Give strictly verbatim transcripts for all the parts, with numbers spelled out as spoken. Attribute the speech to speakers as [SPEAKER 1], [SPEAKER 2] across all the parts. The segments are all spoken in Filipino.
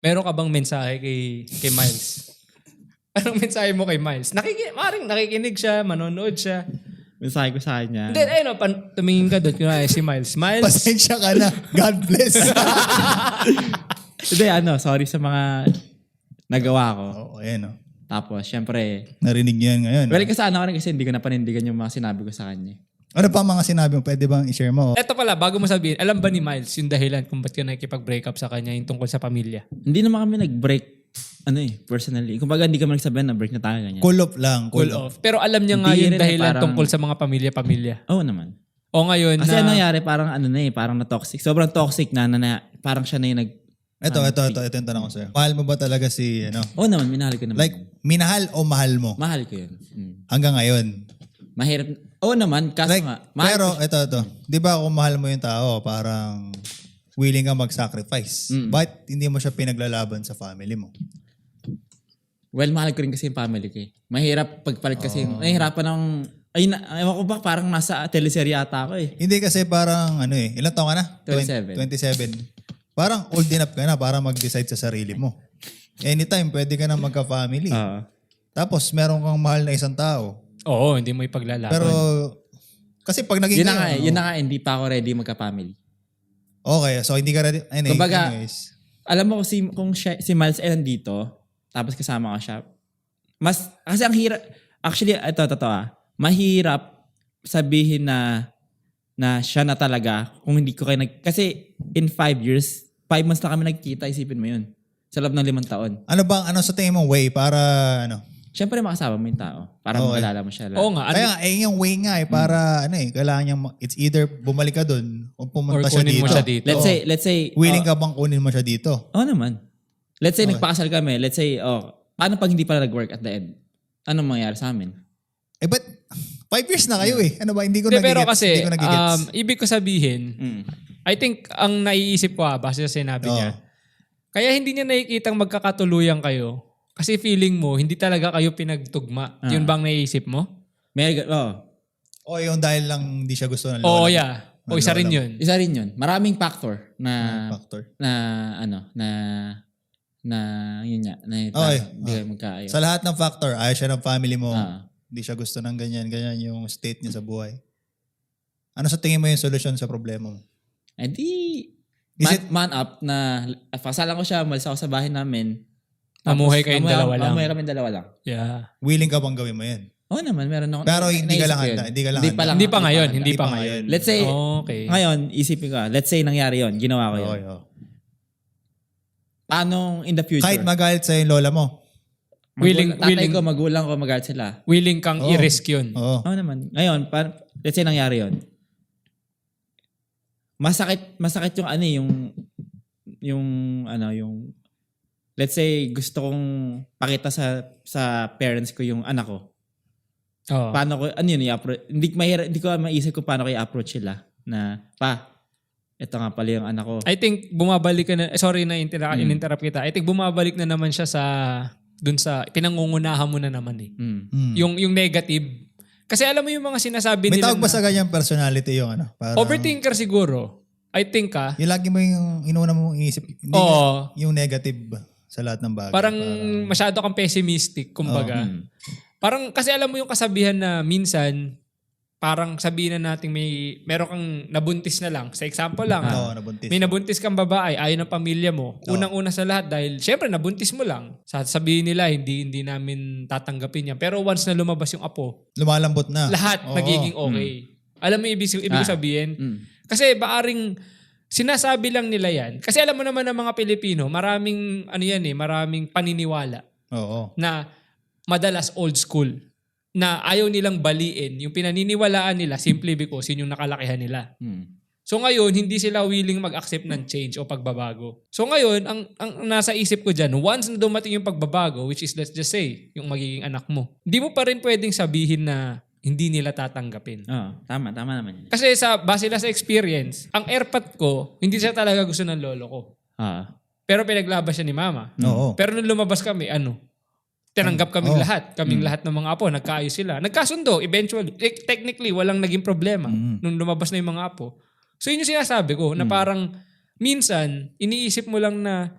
[SPEAKER 1] Meron ka bang mensahe kay, kay Miles? Anong mensahe mo kay Miles? Nakikinig, maring nakikinig siya, manonood siya.
[SPEAKER 2] Mensahe ko sa kanya.
[SPEAKER 1] Then, ayun, pan, tumingin ka doon. Kunwari si Miles. Miles.
[SPEAKER 3] Pasensya ka na. God bless.
[SPEAKER 2] Hindi, ano, sorry sa mga nagawa ko.
[SPEAKER 3] Oo, ayan o.
[SPEAKER 2] Tapos, syempre,
[SPEAKER 3] Narinig niyo yan ngayon.
[SPEAKER 2] well, kasana ko rin kasi hindi ko napanindigan yung mga sinabi ko sa kanya.
[SPEAKER 3] Ano pa ang mga sinabi mo? Pwede bang i-share mo?
[SPEAKER 1] Eto pala, bago mo sabihin, alam ba ni Miles yung dahilan kung ba't ka nakikipag-break up sa kanya yung tungkol sa pamilya?
[SPEAKER 2] Hindi naman kami nag-break, ano eh, personally. Kumbaga, hindi kami nagsabihan na break na tayo ganyan.
[SPEAKER 3] Cool off lang.
[SPEAKER 1] Cool off. Pero alam niya nga
[SPEAKER 2] Hindi
[SPEAKER 1] yung
[SPEAKER 2] rin eh,
[SPEAKER 1] dahilan
[SPEAKER 2] parang-
[SPEAKER 1] tungkol sa mga pamilya-pamilya.
[SPEAKER 2] Oo naman.
[SPEAKER 1] O ngayon
[SPEAKER 2] Kasi
[SPEAKER 1] na...
[SPEAKER 2] ano nangyari, parang ano na eh, parang na-toxic. Sobrang toxic na, na, na parang siya na yung nag...
[SPEAKER 3] Ito, ito, ito, ito yung tanong ko sa'yo. Mahal mo ba talaga si, ano?
[SPEAKER 2] Oo naman, minahal ko naman.
[SPEAKER 3] Like, minahal o mahal mo?
[SPEAKER 2] mahal ko yun. Mm.
[SPEAKER 3] Hanggang ngayon.
[SPEAKER 2] Mahirap. Oo naman, kaso
[SPEAKER 3] Like,
[SPEAKER 2] nga. Mahal
[SPEAKER 3] pero,
[SPEAKER 2] ko-
[SPEAKER 3] ito, ito. Di ba kung mahal mo yung tao, parang willing ka mag-sacrifice.
[SPEAKER 2] Mm.
[SPEAKER 3] But hindi mo siya pinaglalaban sa family mo.
[SPEAKER 2] Well, mahal ko rin kasi yung family ko eh. Mahirap pagpalit kasi.
[SPEAKER 3] Oh.
[SPEAKER 2] Nahihirapan ng... Ay, na, ewan ko ba, parang nasa teleserye ata ako eh.
[SPEAKER 3] Hindi kasi parang, ano eh, ilang taon ka na?
[SPEAKER 2] twenty-seven.
[SPEAKER 3] twenty-seven. Parang old enough ka na para mag-decide sa sarili mo. Anytime, pwede ka na magka-family.
[SPEAKER 2] Oo.
[SPEAKER 3] Tapos, meron kang mahal na isang tao.
[SPEAKER 1] Oo, hindi mo ipaglalaban.
[SPEAKER 3] Pero, kasi pag naging
[SPEAKER 2] yun na nga
[SPEAKER 3] kayo,
[SPEAKER 2] eh, yun na nga, hindi pa ako ready magka-family.
[SPEAKER 3] Okay, so hindi ka ready. Anyway,
[SPEAKER 2] Kumbaga,
[SPEAKER 3] anyways.
[SPEAKER 2] Alam mo si, kung siya, si Miles ay nandito, tapos kasama ko siya, mas, kasi ang hirap, actually, ito, totoo ah, mahirap sabihin na, na siya na talaga, kung hindi ko kayo nag, kasi in five years, five months na kami nagkita, isipin mo yun. Sa loob ng limang taon.
[SPEAKER 3] Ano bang, ano sa tingin mong way para, ano?
[SPEAKER 2] Siyempre makasama mo yung tao, para
[SPEAKER 3] Okay.
[SPEAKER 2] makalala mo siya.
[SPEAKER 1] Oo nga. Ano,
[SPEAKER 3] Kaya nga, eh, yung way nga eh, para, ano eh, kailangan niyang, ma- it's either bumalik ka dun o
[SPEAKER 1] or
[SPEAKER 3] pumunta siya
[SPEAKER 1] kunin
[SPEAKER 3] dito.
[SPEAKER 1] mo siya dito.
[SPEAKER 2] Let's
[SPEAKER 3] Oo.
[SPEAKER 2] say, let's say,
[SPEAKER 3] Willing
[SPEAKER 2] oh,
[SPEAKER 3] ka bang kunin mo siya dito?
[SPEAKER 2] Oo naman. Let's say
[SPEAKER 3] Okay.
[SPEAKER 2] nagpakasal kami, let's say, oh, paano pag hindi pala nag-work at the end? Anong mangyayari sa amin?
[SPEAKER 3] Eh, but, five years na kayo eh. Ano ba, hindi ko
[SPEAKER 1] Hindi, pero
[SPEAKER 3] nagigets.
[SPEAKER 1] kasi,
[SPEAKER 3] Hindi ko nagigets.
[SPEAKER 1] um, ibig ko sabihin,
[SPEAKER 2] Mm.
[SPEAKER 1] I think, ang naiisip ko ah, base sa sinabi
[SPEAKER 3] Oo.
[SPEAKER 1] niya, kaya hindi niya nakikitang magkakatuluyan kayo kasi feeling mo, hindi talaga kayo pinagtugma.
[SPEAKER 2] Ah.
[SPEAKER 1] Yun bang naiisip mo?
[SPEAKER 2] May, oh,
[SPEAKER 3] O yung dahil lang hindi siya gusto ng
[SPEAKER 1] Oo,
[SPEAKER 3] lola.
[SPEAKER 1] yeah. O isa rin yun.
[SPEAKER 2] isa rin yun. Maraming factor na,
[SPEAKER 3] Factor.
[SPEAKER 2] na, ano, na, na, yun nga, na
[SPEAKER 3] Okay.
[SPEAKER 2] parang hindi kayo magkaayo.
[SPEAKER 3] Sa lahat ng factor, ayaw siya ng family mo.
[SPEAKER 2] Ah.
[SPEAKER 3] Hindi siya gusto ng ganyan, ganyan yung state niya sa buhay. Ano sa tingin mo yung solusyon sa problema mo?
[SPEAKER 2] Eh di,
[SPEAKER 3] Is
[SPEAKER 2] man,
[SPEAKER 3] it-
[SPEAKER 2] man up na, pasalan ko siya, umalis ako sa bahay namin.
[SPEAKER 1] Mamuhay kayong
[SPEAKER 2] mamuhay-
[SPEAKER 1] dalawa lang.
[SPEAKER 2] Mamuhay kami dalawa lang.
[SPEAKER 1] Yeah.
[SPEAKER 3] Willing ka bang gawin mo yan?
[SPEAKER 2] Oo naman, meron ako.
[SPEAKER 3] Pero
[SPEAKER 2] na-
[SPEAKER 3] hindi ka
[SPEAKER 2] naisip
[SPEAKER 3] lang
[SPEAKER 2] ko yun.
[SPEAKER 3] handa, hindi ka lang
[SPEAKER 2] Hindi
[SPEAKER 3] handa.
[SPEAKER 2] pa lang.
[SPEAKER 1] Hindi pa ngayon,
[SPEAKER 2] handa.
[SPEAKER 1] hindi pa
[SPEAKER 3] pa
[SPEAKER 1] ngayon.
[SPEAKER 2] Let's say,
[SPEAKER 1] Okay.
[SPEAKER 2] ngayon, isipin ko, let's say nangyari yon, ginawa ko yun.
[SPEAKER 3] Okay, oh.
[SPEAKER 2] Paano in the future?
[SPEAKER 3] Kahit magalit sa yung lola mo.
[SPEAKER 2] Magulang-
[SPEAKER 1] Willing-
[SPEAKER 2] tatay
[SPEAKER 1] willing-
[SPEAKER 2] ko, magulang ko, magalit sila.
[SPEAKER 1] Willing kang
[SPEAKER 3] Oo.
[SPEAKER 1] i-risk yun.
[SPEAKER 3] Oo.
[SPEAKER 2] Oo naman. Ngayon, pa, let's say nangyari yon. Masakit, masakit yung ano eh, yung, yung, ano, yung, let's say, gusto kong pakita sa, sa parents ko yung anak ko.
[SPEAKER 1] Oo.
[SPEAKER 2] Paano ko, ano yun, i-approach, hindi, mahira, hindi ko maisip kung paano ko i-approach sila. Na, pa, ito nga pala yung anak ko.
[SPEAKER 1] I think bumabalik ka na, eh, sorry na intera-
[SPEAKER 2] Mm.
[SPEAKER 1] in-interrupt kita. I think bumabalik na naman siya sa, dun sa, pinangungunahan mo na naman eh.
[SPEAKER 2] Mm.
[SPEAKER 3] Hmm.
[SPEAKER 1] Yung, yung negative. Kasi alam mo yung mga sinasabi
[SPEAKER 3] May
[SPEAKER 1] nila
[SPEAKER 3] tawag ba
[SPEAKER 1] na,
[SPEAKER 3] sa ganyang personality yung ano? Parang,
[SPEAKER 1] overthinker siguro. I think ah,
[SPEAKER 3] Yung lagi mo yung inuna mong iisip. Hindi
[SPEAKER 1] Oo.
[SPEAKER 3] yung negative sa lahat ng bagay.
[SPEAKER 1] parang masyado kang pessimistic, kumbaga.
[SPEAKER 2] Mm.
[SPEAKER 1] Parang, kasi alam mo yung kasabihan na minsan, parang sabihin na natin may, meron kang nabuntis na lang. Sa example lang,
[SPEAKER 3] Oo,
[SPEAKER 1] ah,
[SPEAKER 3] nabuntis.
[SPEAKER 1] may nabuntis kang babae, ayaw ng pamilya mo. Unang-una sa lahat dahil, syempre, nabuntis mo lang. Sasabihin nila, hindi hindi namin tatanggapin yan. Pero once na lumabas yung apo,
[SPEAKER 3] Lumalambot na.
[SPEAKER 1] lahat
[SPEAKER 3] Oo.
[SPEAKER 1] nagiging okay. Alam mo ibig, ibig
[SPEAKER 2] Ah.
[SPEAKER 1] sabihin?
[SPEAKER 2] Mm.
[SPEAKER 1] Kasi baaring sinasabi lang nila yan. Kasi alam mo naman ng mga Pilipino, maraming, ano yan eh, maraming paniniwala
[SPEAKER 3] Oo.
[SPEAKER 1] na madalas old school. Na ayaw nilang baliin yung pinaniniwalaan nila simply because yun yung nakalakihan nila.
[SPEAKER 2] Mm.
[SPEAKER 1] So ngayon, hindi sila willing mag-accept ng change o pagbabago. So ngayon, ang, ang nasa isip ko dyan, once na dumating yung pagbabago, which is let's just say, yung magiging anak mo, hindi mo pa rin pwedeng sabihin na hindi nila tatanggapin.
[SPEAKER 2] Oo, tama, tama naman yun.
[SPEAKER 1] Kasi sa base lang sa experience, ang airpot ko, hindi siya talaga gusto ng lolo ko.
[SPEAKER 2] Ah.
[SPEAKER 1] Pero pinaglaban siya ni mama.
[SPEAKER 3] Oo.
[SPEAKER 1] Pero nung lumabas kami, ano? Tinanggap kaming
[SPEAKER 3] Oh.
[SPEAKER 1] lahat. Kaming lahat ng mga apo. Nagkaayos sila. Nagkasundo, eventually. Te- technically, walang naging problema
[SPEAKER 3] Mm.
[SPEAKER 1] nung lumabas na yung mga apo. So yun yung sinasabi ko, na parang minsan, iniisip mo lang na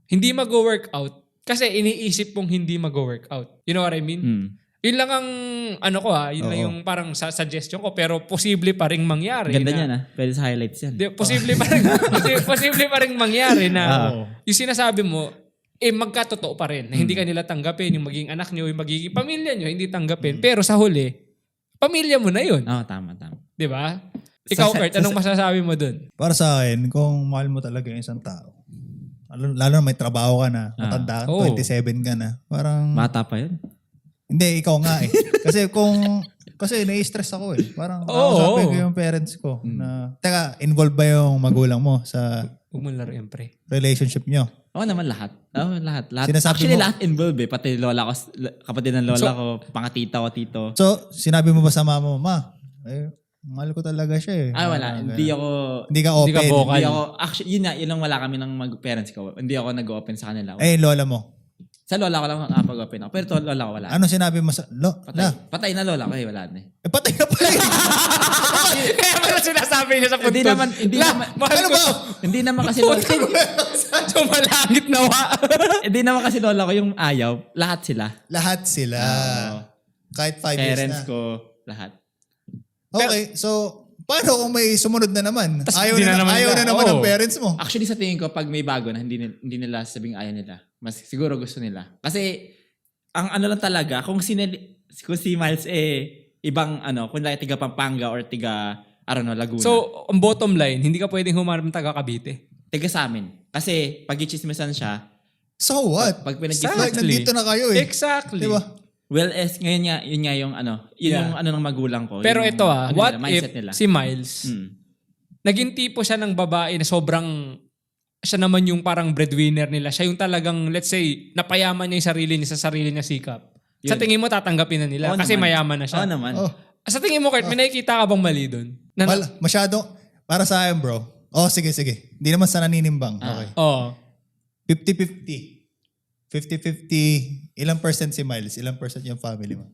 [SPEAKER 1] hindi mag-workout kasi iniisip mong hindi mag-workout. You know what I mean?
[SPEAKER 2] Mm.
[SPEAKER 1] Yun lang ang ano ko ha, yun lang
[SPEAKER 3] Oo.
[SPEAKER 1] yung parang sa suggestion ko pero posible pa ring mangyari.
[SPEAKER 2] Ganda
[SPEAKER 1] na,
[SPEAKER 2] niyan ah. Pwede sa highlights yan.
[SPEAKER 1] Di, posible pa rin posi- posible pa rin mangyari na
[SPEAKER 3] Oo.
[SPEAKER 1] yung sinasabi mo eh magkatotoo pa rin na hindi ka nila tanggapin yung magiging anak niyo, yung magiging pamilya niyo, hindi tanggapin. Pero sa huli, pamilya mo na yun.
[SPEAKER 2] Oo, tama, tama.
[SPEAKER 1] 'Di ba? Ikaw,
[SPEAKER 2] Sa-
[SPEAKER 1] Kurt,
[SPEAKER 2] sa-
[SPEAKER 1] anong masasabi mo dun?
[SPEAKER 3] Para sa akin, kung mahal mo talaga yung isang tao, lalo, lalo na may trabaho ka na,
[SPEAKER 2] Ah.
[SPEAKER 3] matanda ka,
[SPEAKER 1] Oo.
[SPEAKER 3] twenty-seven ka na, parang,
[SPEAKER 2] Bata pa yun.
[SPEAKER 3] hindi, ikaw nga eh. Kasi kung, kasi nai-stress ako eh. Parang,
[SPEAKER 1] Oo.
[SPEAKER 3] kausapin ko yung parents ko na, teka, involved ba yung magulang mo sa
[SPEAKER 1] Huwag mo laruin, pre.
[SPEAKER 3] relationship nyo?
[SPEAKER 2] Oo naman lahat. Oo, lahat. lahat.
[SPEAKER 3] Sinasabi
[SPEAKER 2] Actually,
[SPEAKER 3] mo-
[SPEAKER 2] lahat involved eh. Pati lola ko, kapatid ng lola
[SPEAKER 1] So-
[SPEAKER 2] ko, pangatita ko, tito.
[SPEAKER 3] So, sinabi mo ba sa mama mo, ma, eh, mahal ko talaga siya eh.
[SPEAKER 2] Ay, wala.
[SPEAKER 3] Parang
[SPEAKER 2] Hindi
[SPEAKER 3] ganun.
[SPEAKER 2] ako...
[SPEAKER 3] Hindi ka
[SPEAKER 1] Hindi ka
[SPEAKER 3] open.
[SPEAKER 1] vocal.
[SPEAKER 2] Hindi ako... Actually, yun na. Yun lang wala kami ng mag-parents ko. Hindi ako nag-open sa kanila.
[SPEAKER 3] Eh, lola mo.
[SPEAKER 2] Sa lola ko lang nakapag-open ako. Pero to lola ko wala.
[SPEAKER 3] Ano sinabi mo sa, lo,
[SPEAKER 2] Patay.
[SPEAKER 3] la,
[SPEAKER 2] Patay na lola ko eh. Wala na eh.
[SPEAKER 3] eh, patay na pala eh.
[SPEAKER 1] Kaya pala sinasabi niya sa
[SPEAKER 2] Hindi
[SPEAKER 1] puntod.
[SPEAKER 2] naman... Hindi
[SPEAKER 1] La,
[SPEAKER 2] naman...
[SPEAKER 1] mahal
[SPEAKER 3] Ano
[SPEAKER 1] ko
[SPEAKER 3] ba?
[SPEAKER 1] to.
[SPEAKER 2] Hindi naman kasi lola...
[SPEAKER 1] Sumalangit nawa.
[SPEAKER 2] Hindi naman kasi lola ko yung ayaw. Lahat sila.
[SPEAKER 3] Lahat sila.
[SPEAKER 2] Oo.
[SPEAKER 3] Kahit five years
[SPEAKER 2] Parents
[SPEAKER 3] na.
[SPEAKER 2] ko. Lahat.
[SPEAKER 3] Okay, so, paano kung may sumunod na naman?
[SPEAKER 1] Tas
[SPEAKER 3] Ayaw
[SPEAKER 1] hindi
[SPEAKER 3] na,
[SPEAKER 1] na naman
[SPEAKER 3] ayaw
[SPEAKER 1] nila.
[SPEAKER 3] na naman
[SPEAKER 1] Oo.
[SPEAKER 3] ng parents mo.
[SPEAKER 2] Actually, sa tingin ko, pag may bago na, hindi, ni- hindi nila sabing ayaw nila. Mas siguro gusto nila. Kasi, ang ano lang talaga, kung, sinili, kung si Miles eh, ibang ano, kung like, tiga Pampanga or tiga, I don't know, Laguna.
[SPEAKER 1] So, ang bottom line, hindi ka pwedeng humarap ng taga Cavite.
[SPEAKER 2] tiga sa amin. Kasi, pag i-chismisan siya,
[SPEAKER 3] So what?
[SPEAKER 2] pag pinag
[SPEAKER 1] Exactly.
[SPEAKER 3] Like, nandito na kayo eh.
[SPEAKER 1] Exactly.
[SPEAKER 3] Diba?
[SPEAKER 2] well, es, ngayon nga, yun nga yung ano, yun
[SPEAKER 1] Yeah.
[SPEAKER 2] yung ano ng magulang ko.
[SPEAKER 1] Pero
[SPEAKER 2] yung,
[SPEAKER 1] ito ah,
[SPEAKER 2] ano
[SPEAKER 1] what
[SPEAKER 2] nila,
[SPEAKER 1] if
[SPEAKER 2] mindset nila.
[SPEAKER 1] si Miles,
[SPEAKER 2] Hmm.
[SPEAKER 1] naging tipo siya ng babae na sobrang, siya naman yung parang breadwinner nila. Siya yung talagang, let's say, napayaman niya yung sarili niya sa sarili niya sikap. Sa
[SPEAKER 2] Yun.
[SPEAKER 1] tingin mo, tatanggapin na nila
[SPEAKER 2] Oo
[SPEAKER 1] kasi
[SPEAKER 2] naman.
[SPEAKER 1] mayaman na siya.
[SPEAKER 2] Oo naman.
[SPEAKER 3] Oh,
[SPEAKER 1] Sa tingin mo, Kurt, may nakikita ka bang mali doon? Na,
[SPEAKER 3] mal, masyado, para sa akin bro. Oh, sige, sige. Hindi naman sa naninimbang.
[SPEAKER 2] Ah.
[SPEAKER 3] Okay.
[SPEAKER 1] Oo.
[SPEAKER 3] fifty-fifty. fifty-fifty. Ilang percent si Miles? Ilang percent yung family mo?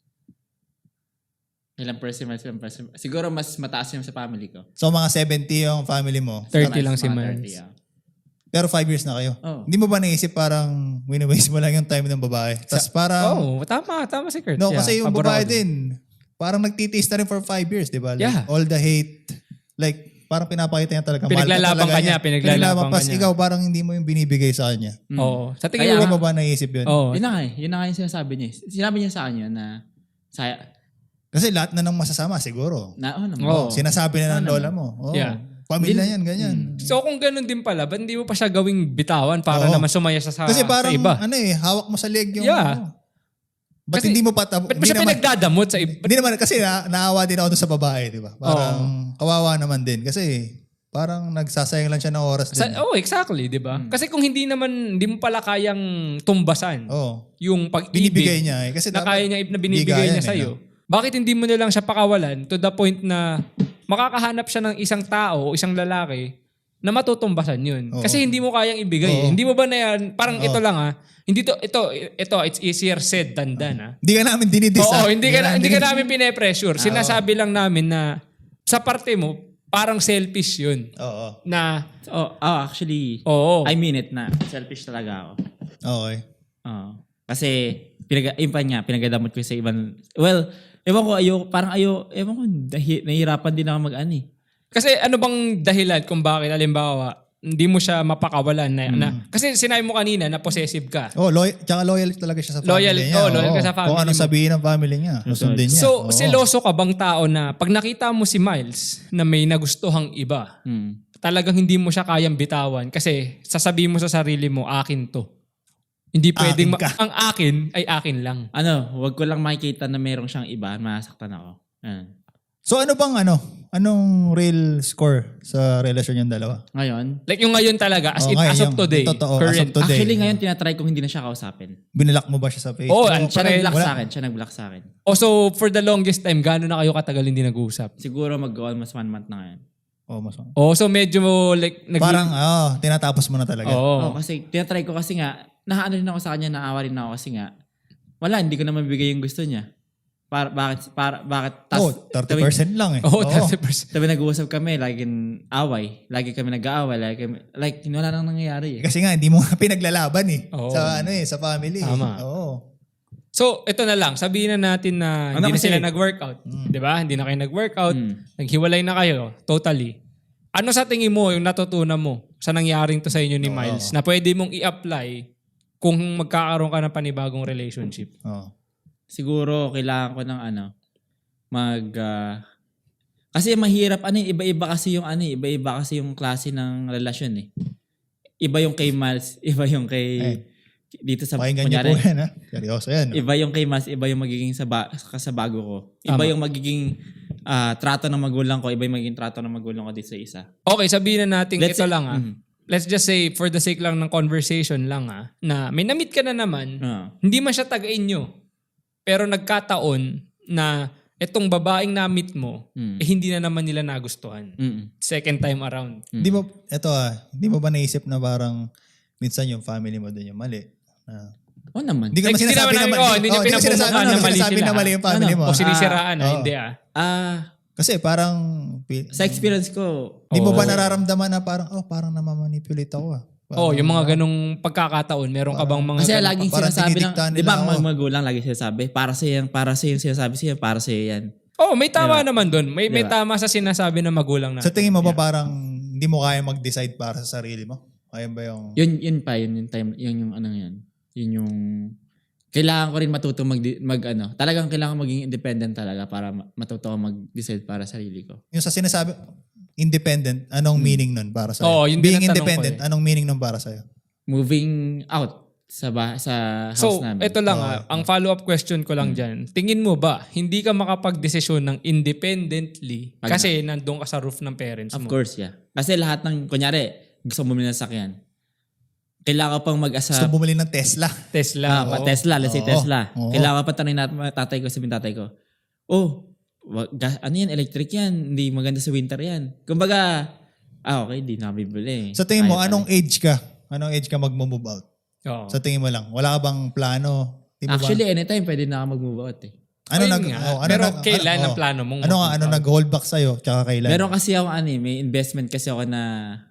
[SPEAKER 2] Ilang percent, ilang percent. Siguro mas mataas yung sa family ko.
[SPEAKER 3] So, mga seventy yung family mo.
[SPEAKER 1] thirty
[SPEAKER 2] Mas
[SPEAKER 1] lang si
[SPEAKER 2] mga
[SPEAKER 1] Miles.
[SPEAKER 2] thirty, ah.
[SPEAKER 3] Pero five years na kayo.
[SPEAKER 2] Oo.
[SPEAKER 3] Hindi mo ba naisip parang wini-waste mo lang yung time ng babae? Tapos parang,
[SPEAKER 1] Oo, tama. Tama si Kurt.
[SPEAKER 3] no,
[SPEAKER 1] Yeah,
[SPEAKER 3] kasi yung
[SPEAKER 1] pabor
[SPEAKER 3] babae
[SPEAKER 1] ako dun.
[SPEAKER 3] din, parang nagtitiis na rin for five years, di ba? Like,
[SPEAKER 1] Yeah.
[SPEAKER 3] all the hate, like, parang pinapakita niya talaga. mahal
[SPEAKER 1] Pinaglalaban
[SPEAKER 3] talaga
[SPEAKER 1] ka niya, pinaglalaban ka
[SPEAKER 3] Tapos
[SPEAKER 1] niya.
[SPEAKER 3] ikaw parang hindi mo yung binibigay sa kanya.
[SPEAKER 2] Mm.
[SPEAKER 1] Oo. Sa tingin
[SPEAKER 2] Kaya
[SPEAKER 1] mo,
[SPEAKER 3] Hindi mo ba naisip yun?
[SPEAKER 1] oo.
[SPEAKER 2] Yun na nga eh. Yun na nga yung sinasabi niya. eh. Sinabi niya sa akin yun na, sa,
[SPEAKER 3] Kasi lahat na ng masasama siguro.
[SPEAKER 2] na, oh, naman.
[SPEAKER 1] Oo.
[SPEAKER 3] Oh, sinasabi na ng
[SPEAKER 2] Ano
[SPEAKER 3] lola mo. Oh,
[SPEAKER 1] Yeah.
[SPEAKER 3] Pamilya
[SPEAKER 2] Hindi-
[SPEAKER 3] yan, ganyan.
[SPEAKER 1] So kung ganun din pala, ba't hindi mo pa siya gawing bitawan para
[SPEAKER 3] Oo.
[SPEAKER 1] naman sumaya siya sa,
[SPEAKER 3] Kasi parang,
[SPEAKER 1] sa iba?
[SPEAKER 3] ano eh, hawak mo sa leg yung,
[SPEAKER 1] Yeah.
[SPEAKER 3] ano. Ba't
[SPEAKER 1] Kasi-
[SPEAKER 3] hindi mo pa, tab-
[SPEAKER 1] Ba't mo
[SPEAKER 3] hindi
[SPEAKER 1] siya
[SPEAKER 3] naman,
[SPEAKER 1] pinagdadamot sa iba?
[SPEAKER 3] hindi naman, kasi na, naawa din ako dun sa babae, di ba? Parang, kawawa naman din. Kasi, parang nagsasayang lang siya ng oras
[SPEAKER 1] Sa,
[SPEAKER 3] din.
[SPEAKER 1] oh, exactly, di ba? Kasi kung hindi naman, hindi mo pala kayang tumbasan
[SPEAKER 3] Oh,
[SPEAKER 1] yung pag-ibig
[SPEAKER 3] binibigay niya eh. Kasi
[SPEAKER 1] na
[SPEAKER 3] dapat,
[SPEAKER 1] kaya niya, na binibigay
[SPEAKER 3] bigayan
[SPEAKER 1] niya
[SPEAKER 3] eh,
[SPEAKER 1] sa'yo.
[SPEAKER 3] no?
[SPEAKER 1] Bakit hindi mo na lang siya pakawalan to the point na makakahanap siya ng isang tao o isang lalaki na matutumbasan yun.
[SPEAKER 3] Oo.
[SPEAKER 1] Kasi hindi mo kayang ibigay. eh.
[SPEAKER 3] Oo.
[SPEAKER 1] Hindi mo ba na yan, parang
[SPEAKER 3] Oo.
[SPEAKER 1] ito lang ah, hindi to, ito, ito, it's easier said than done ah.
[SPEAKER 3] Hindi ka namin dinidis.
[SPEAKER 1] Oo,
[SPEAKER 3] ah.
[SPEAKER 1] hindi ka, na, hindi ka
[SPEAKER 3] dinidis.
[SPEAKER 1] namin pine-pressure. Sinasabi lang namin na sa parte mo, parang selfish yun.
[SPEAKER 3] Oo.
[SPEAKER 1] Na,
[SPEAKER 2] Oh, oh, actually,
[SPEAKER 1] oo.
[SPEAKER 2] I mean it na. Selfish talaga ako.
[SPEAKER 3] Okay.
[SPEAKER 2] Oo. Kasi, pinag yun pa niya, pinagadamot ko sa ibang, well, ewan ko, ayo, parang ayo, ewan ko, dahi, nahihirapan din ako mag-ano eh.
[SPEAKER 1] Kasi ano bang dahilan kung bakit, alimbawa, hindi mo siya mapakawalan na, na
[SPEAKER 3] Hmm.
[SPEAKER 1] kasi sinabi mo kanina na possessive ka.
[SPEAKER 3] Oh, loyal, tsaka loyal talaga siya sa family
[SPEAKER 1] Loyal-
[SPEAKER 3] niya.
[SPEAKER 1] oh, loyal ka sa family
[SPEAKER 3] Kung anong
[SPEAKER 1] mo.
[SPEAKER 3] sabihin ng family niya, susundin niya.
[SPEAKER 1] So,
[SPEAKER 3] Oo.
[SPEAKER 1] seloso ka bang tao na pag nakita mo si Miles na may nagustuhang iba,
[SPEAKER 2] Hmm.
[SPEAKER 1] talagang hindi mo siya kayang bitawan kasi sasabihin mo sa sarili mo, akin to. Hindi pwedeng, ma-
[SPEAKER 3] Akin ka.
[SPEAKER 1] ang akin ay akin lang.
[SPEAKER 2] Ano, wag ko lang makikita na merong siyang iba, masaktan ako. Ayan.
[SPEAKER 3] So ano bang ano? Anong real score sa relasyon yung dalawa?
[SPEAKER 2] Ngayon,
[SPEAKER 1] Like yung ngayon talaga, as,
[SPEAKER 3] Oo,
[SPEAKER 1] in,
[SPEAKER 3] ngayon,
[SPEAKER 1] as of
[SPEAKER 3] yung
[SPEAKER 1] today,
[SPEAKER 3] totoo, as of
[SPEAKER 1] current.
[SPEAKER 3] today.
[SPEAKER 2] actually ngayon tinatry kong hindi na siya kausapin.
[SPEAKER 3] Binalak mo ba siya sa Facebook?
[SPEAKER 1] Oh, ang
[SPEAKER 2] Siya
[SPEAKER 1] pare-
[SPEAKER 2] nag-block
[SPEAKER 3] wala-
[SPEAKER 2] sa akin, siya nag-block sa akin.
[SPEAKER 1] Oh, so for the longest time, gano'n na kayo katagal hindi nag-uusap?
[SPEAKER 2] Siguro mag-almost one month na ngayon.
[SPEAKER 3] Oh, mas
[SPEAKER 1] Oh, so medyo like nag
[SPEAKER 3] Parang, oh, tinatapos mo na talaga.
[SPEAKER 1] Oo.
[SPEAKER 2] Oh, kasi tinatry ko kasi nga, nahaano rin ako sa kanya, naawa rin ako kasi nga, wala, hindi ko na mabibigay yung gusto niya. Para, bakit, para, bakit, tas,
[SPEAKER 3] Oh, thirty percent lang eh.
[SPEAKER 1] Oo,
[SPEAKER 3] Oo.
[SPEAKER 1] thirty percent.
[SPEAKER 2] Sabi nag-uusap kami, laging away. Lagi kami nag-aaway. Lagi kami, like, wala nang nangyayari eh.
[SPEAKER 3] Kasi nga, hindi mo nga pinaglalaban eh.
[SPEAKER 1] Oo.
[SPEAKER 3] Sa ano eh, sa family.
[SPEAKER 1] Tama.
[SPEAKER 3] Oo.
[SPEAKER 1] So, ito na lang. Sabihin na natin na
[SPEAKER 2] Ano
[SPEAKER 1] hindi na
[SPEAKER 2] kasi-
[SPEAKER 1] sila nag-workout. Di ba? Hindi na kayo nag-workout.
[SPEAKER 2] Mm.
[SPEAKER 1] Naghiwalay na kayo. Totally. Ano sa tingin mo yung natutunan mo sa nangyaring to sa inyo ni
[SPEAKER 3] Oo.
[SPEAKER 1] Miles na pwede mong i-apply kung magkakaroon ka ng panibagong relationship?
[SPEAKER 3] Oo.
[SPEAKER 2] Siguro, kailangan ko ng ano, mag, ah, kasi mahirap, ano eh, iba-iba kasi yung ano eh, iba-iba kasi yung klase ng relasyon eh. Iba yung kay Miles, iba yung kay,
[SPEAKER 3] Eh.
[SPEAKER 2] dito sa,
[SPEAKER 3] Pakinggan niyo po
[SPEAKER 2] kunyari,
[SPEAKER 3] yan ha. Seryoso yan. no?
[SPEAKER 2] iba yung kay Miles, iba yung magiging sa, ba, sa bago ko. Iba
[SPEAKER 1] Tama.
[SPEAKER 2] yung magiging ah, trato ng magulang ko, iba yung magiging trato ng magulang ko dito sa isa.
[SPEAKER 1] Okay, sabihin na natin
[SPEAKER 2] Let's
[SPEAKER 1] ito
[SPEAKER 2] say-
[SPEAKER 1] lang ah.
[SPEAKER 2] Mhm.
[SPEAKER 1] Let's just say, for the sake lang ng conversation lang ah, na may na-meet ka na naman,
[SPEAKER 2] Ah.
[SPEAKER 1] hindi man siya taga-inyo. Pero nagkataon na itong babaeng na-meet mo,
[SPEAKER 2] Mm.
[SPEAKER 1] eh, hindi na naman nila nagustuhan.
[SPEAKER 2] Mm-mm.
[SPEAKER 1] Second time around.
[SPEAKER 3] Hindi mo, eto ah, hindi mo ba naisip na parang minsan yung family mo doon yung mali? Ah.
[SPEAKER 2] Oo naman.
[SPEAKER 3] Hindi ka
[SPEAKER 1] Like,
[SPEAKER 3] naman
[SPEAKER 1] hindi
[SPEAKER 3] sinasabi
[SPEAKER 1] naman
[SPEAKER 3] na
[SPEAKER 1] namin,
[SPEAKER 3] mali.
[SPEAKER 1] oh, hindi niya
[SPEAKER 3] Oh, mo sinasabi
[SPEAKER 1] pinapumukha
[SPEAKER 3] ano,
[SPEAKER 1] na mali
[SPEAKER 3] sinasabi
[SPEAKER 1] sila.
[SPEAKER 3] na mali yung family
[SPEAKER 2] Ano?
[SPEAKER 3] mo.
[SPEAKER 1] O sinisiraan na,
[SPEAKER 3] oo.
[SPEAKER 1] hindi ah.
[SPEAKER 2] Ah,
[SPEAKER 3] Kasi parang, pi-
[SPEAKER 2] sa experience ko,
[SPEAKER 3] di mo
[SPEAKER 1] Oo.
[SPEAKER 3] ba nararamdaman na parang, oh, parang namamanipulate ako ah.
[SPEAKER 1] Oh,
[SPEAKER 3] Parang,
[SPEAKER 1] yung mga
[SPEAKER 3] ah,
[SPEAKER 1] ganong pagkakataon, meron ka bang mga
[SPEAKER 2] kasi
[SPEAKER 1] ganong-
[SPEAKER 2] laging
[SPEAKER 3] parang
[SPEAKER 2] sinasabi ng,
[SPEAKER 3] dinidiktahan
[SPEAKER 2] di ba
[SPEAKER 3] nila
[SPEAKER 2] ang
[SPEAKER 3] ako.
[SPEAKER 2] mga magulang lagi sinasabi, para sa yan, para sa yan, sinasabi siya, para sa yan.
[SPEAKER 1] Oh, may tama
[SPEAKER 2] Diba?
[SPEAKER 1] naman doon. May may
[SPEAKER 2] Diba?
[SPEAKER 1] tama sa sinasabi ng magulang na.
[SPEAKER 3] Sa tingin mo ba parang hindi mo kaya mag-decide para sa sarili mo? Kaya ba yung...
[SPEAKER 2] Yun, yun pa, yun yung time, yun yung ano yan. Yun yung, kailangan ko rin matuto mag, mag ano, talagang kailangan maging independent talaga para ma- matuto ko mag-decide para sa sarili ko.
[SPEAKER 3] Yung sa sinasabi, independent, anong meaning nun para sa'yo?
[SPEAKER 1] Oo, yun din
[SPEAKER 3] Being
[SPEAKER 1] ang tanong ko
[SPEAKER 3] independent,
[SPEAKER 1] eh.
[SPEAKER 3] anong meaning nun para sa'yo?
[SPEAKER 2] Moving out sa ba, sa house
[SPEAKER 1] So,
[SPEAKER 2] namin.
[SPEAKER 1] ito lang
[SPEAKER 3] Oo.
[SPEAKER 1] ah, ang follow-up question ko
[SPEAKER 2] Hmm.
[SPEAKER 1] lang dyan. Tingin mo ba, hindi ka makapag-desisyon ng independently
[SPEAKER 2] Pag-
[SPEAKER 1] kasi nandun ka sa roof ng parents
[SPEAKER 2] Of
[SPEAKER 1] mo?
[SPEAKER 2] course, yeah. Kasi lahat ng, kunyari, gusto mo bumili ng sakyan. Kailangan ko pang mag-asa.
[SPEAKER 3] Gusto bumili ng Tesla.
[SPEAKER 1] Tesla.
[SPEAKER 2] Ah, pa
[SPEAKER 1] oo.
[SPEAKER 2] Tesla, let's say
[SPEAKER 3] Oo.
[SPEAKER 2] Tesla.
[SPEAKER 3] Oo.
[SPEAKER 2] Kailangan pa tanongin natin mga tatay ko, sabihin tatay ko, oh, wag, gas, ano yan, electric yan, hindi maganda sa winter yan. Kumbaga, ah okay, di na bibili.
[SPEAKER 3] Sa tingin mo,
[SPEAKER 2] Ayaw
[SPEAKER 3] anong
[SPEAKER 2] talaga.
[SPEAKER 3] age ka? Anong age ka mag-move out?
[SPEAKER 1] Oo.
[SPEAKER 3] Sa tingin mo lang, wala ka bang plano? Di mo ba-
[SPEAKER 2] Actually, anytime pwede na ako mag-move out eh.
[SPEAKER 3] ano
[SPEAKER 1] Ayun
[SPEAKER 3] nag,
[SPEAKER 1] nga.
[SPEAKER 3] oh, ano
[SPEAKER 1] Pero
[SPEAKER 3] nag-
[SPEAKER 1] kailan
[SPEAKER 3] ano,
[SPEAKER 1] ang
[SPEAKER 3] oh.
[SPEAKER 1] plano mong
[SPEAKER 3] Ano nga,
[SPEAKER 1] mag-move
[SPEAKER 3] ano
[SPEAKER 1] out?
[SPEAKER 3] nag-hold back sa'yo? Tsaka kailan?
[SPEAKER 2] Meron kasi ako ano eh, may investment kasi ako na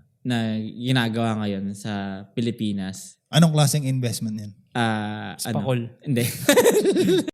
[SPEAKER 2] na ginagawa ngayon sa Pilipinas.
[SPEAKER 3] Anong klaseng investment yan?
[SPEAKER 2] Ah, ano?
[SPEAKER 1] Spakol.
[SPEAKER 2] Hindi.